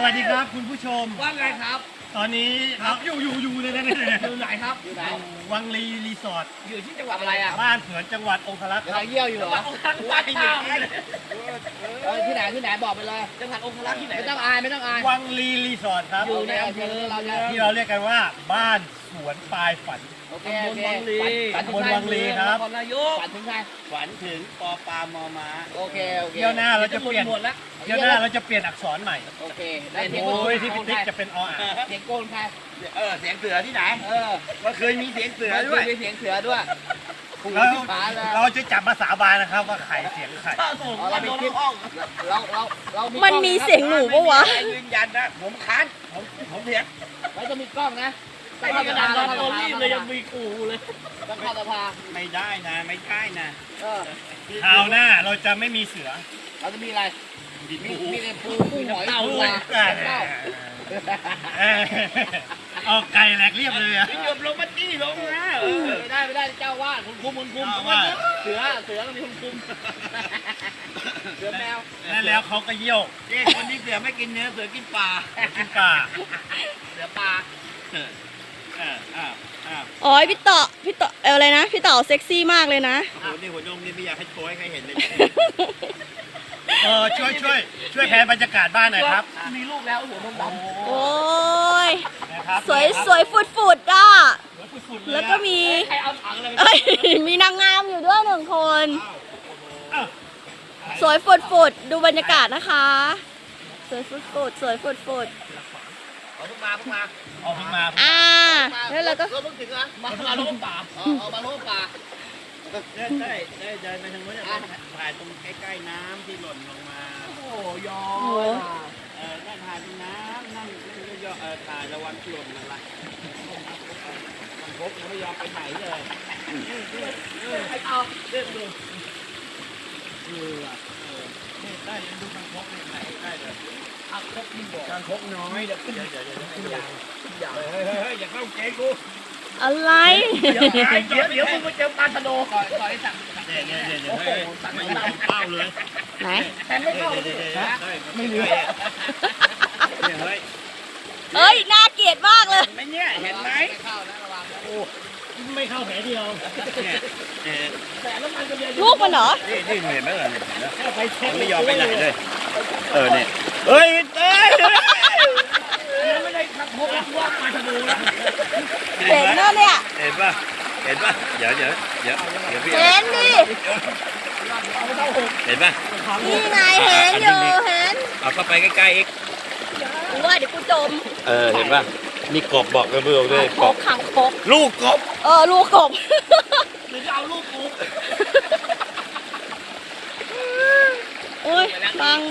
วัสดีครับคุณผู้ชมว่าไงครับตอนนี้ครับอยู่เลยนะอยู่ไหนครับอยู่ไหนวังลีรีสอร์ทอยู่ที่จังหวัดอะไรอ่ะบ้านเผือนจังหวัดองครักษ์ครับเยี่ยวอยู่เหรอวัดข้าวที่ไหนบอกไปเลยจังหวัดองครักษ์ที่ไหนไม่ต้องอายวังลีรีสอร์ทครับอยู่ในอำเภอเราที่เราเรียกกันว่าบ้านสวนปลายฝันโอเคตำบลวังลีครับนายกฝันถึงใครฝันถึงปอปามอม้าโอเคเที่ยวหน้าเราจะเปลี่ยนเที่ยวหน้าเราจะเปลี่ยนอักษรใหม่โอเคโอ้ยที่พิทิกจะเป็นออ่างเสียงโกนใครเสียงเสือที่ไหนก็เคยมีเสียงเสือด้วยมีเสียงเสือด้วยเราจะจับมาสาบานนะครับว่าใครเสียงใครเรามีคลิปเรามันมีเสียงหนูปะวะยืนยันนะผมค้านผมเถียงไว้จะมีกล้องนะไม่กระดานเราโตรีบเลยยังมีกูเลยต้องเข้าสภาไม่ได้นะไม่ใช่นะคราวหน้าเราจะไม่มีเสือเราจะมีอะไรมีแต่ปูหอยปูเอาไก่แหลกเรียบเลยอะหยบลงมาจี้ลงนะไม่ได้เจ้าว่าคุณคุมเสือต้องมีคุณคุมเสือแมวนั่นแล้วเขาก็เยี่ยวคนนี้เสือไม่กินเนื้อเสือกินปลาเสือปลาอ๋อพี่ต่ออะไรนะพี่ต่อเซ็กซี่มากเลยนะโอ้โหนี่หัวนมนี่ไม่อยากให้โชว์ให้ใครเห็นเลยช่วยแพนบรรยากาศบ้านหน่อยครับมีลูกแล้วหัวนมดำโอ้ยสวยฟุดอ่ะแล้วก็มีมีนางงามอยู่ด้วย1 คนสวยฟุดดูบรรยากาศนะคะสวยฟุดเอาขึ้นมาแล้วเราก็เพิ่งถึงนะมาโลป่ามาโลป่าได้เดินไปทางนู้นถ่ายตรงใกล้ๆน้ำที่หล่นลงมาโอ้ยอนั่งถ่ายตรงน้ำนั่งย่อถ่ายระวังหล่นอะไรมันพกยังไม่ยอมไปไหนเลยเอาเรื่องดูได้ยังดูมันพกไหนได้เลยเอาครบยิ่งบอกการพกน้อยเดี๋ยวอย่าเข้าเกกูอะไรเดี๋ยวมึงไปเจอปลาชะโดก่อนไอ้สั่งโอ้โหสั่งไม่ได้เป้าเลยไหนแต่ไม่เข้าไม่เหลือเฮ้ยน่าเกลียดมากเลยไม่เนี่ยเห็นไหมเข้านะระวังโอ้ไม่เข้าแผลเดียวลูกมันเหรอนี่เห็นไหมล่ะไม่ยอมไปไหนเลยเนี่ยเฮ้ยไม่ได้ขับพกว่ามาทะบูนะเห็นนะเนี่ยเห็นป่ะเดี๋ยวพี่เห็นดิเห็นป่ะนี่ไงเห็นอยู่เห็นเอาเข้าไปใกล้ๆอีกกูว่าเดี๋ยวกูจมเห็นป่ะนี่กบบอกกันเพื่อนเลยกบขังกบลูกกบลูกกบหรือจะเอาลูกกบโอ้ยบัง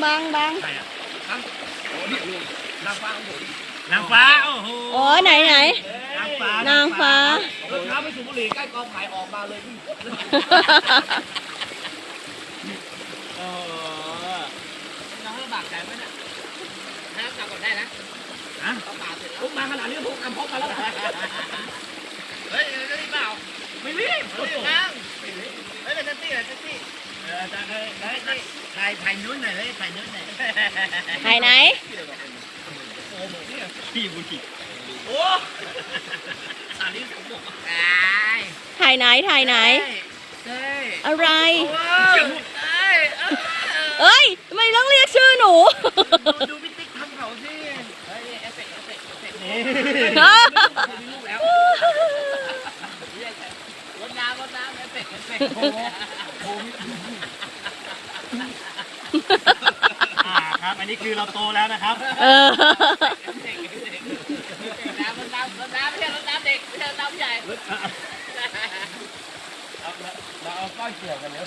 นางฟ้าโอ้โหอ๋อไหนนางฟ้ารถเท้าไปสูบบุหรี่ใกล้กองถ่ายออกมาเลยพี่น้องลำบากใจไหมเนี่ยให้น้ำจับก่อนได้นะต้องป่าเสร็จแล้วมาขนาดนี้พกมาแล้วเฮ้ยรีบเปล่าไม่รีบนั่งเฮ้ยเป็นแท็กซี่ถ่ายนู้นหน่อยเลยถ่ายนู้นหน่อยถ่ายไหนพี่บุจิโอ้อันนี้ผมบอกถ่ายไหนอะไรเอ้ยทำไมต้องเรียกชื่อหนูดูพี่ติ๊กทำเขาสิเฮ้ยเอฟเฟกต์นี่มีลูกแล้วรถน้ำเอฟเฟกต์ครับอันนี้คือเราโตแล้วนะครับรถน้ำไม่ใช่รถน้ำเด็กไม่ใช่รถน้ำใหญ่เราเอาก้อนเกี่ยวกันเนอะ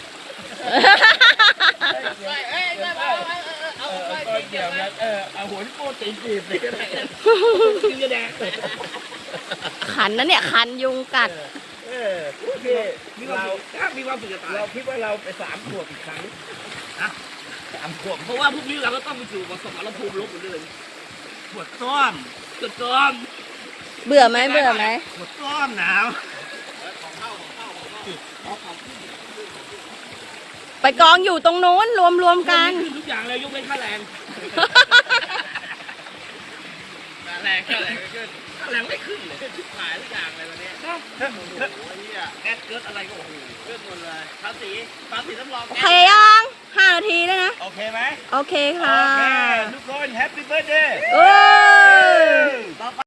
เอาก้อนเกี่ยวกันเอาหัวที่โป้ตีนจีบเลยก็ได้กินกระแดงขันนะเนี่ยขันยุงกัดโอเคมีความสุขจะตายเราคิดว่าเราไป3 ขวบอีกครั้ง3 ขวบเพราะว่าพวกนี้เราก็ต้องไปสู่ประสบการณ์ภูมิลบหมดเลยปวดต้อมเบื่อไหมปวดต้อมหนาวไปกองอยู่ตรงโน้นรวมกันทุกอย่างเลยยกเว้นค่าแรงแรงก็แรงไม่ขึ้นแรงไม่ขึ้นเลยขายทุกอย่างเลยวันนี้โอ้โหแก๊สเกิดอะไรก็โอ้โหขึ้นหมดเลยภาษีรับรองโอเคยัง5 นาทีแล้วนะโอเคไหมโอเคค่ะโอเคทุกคนแฮปปี้เบิร์ดเดย์โอ้ย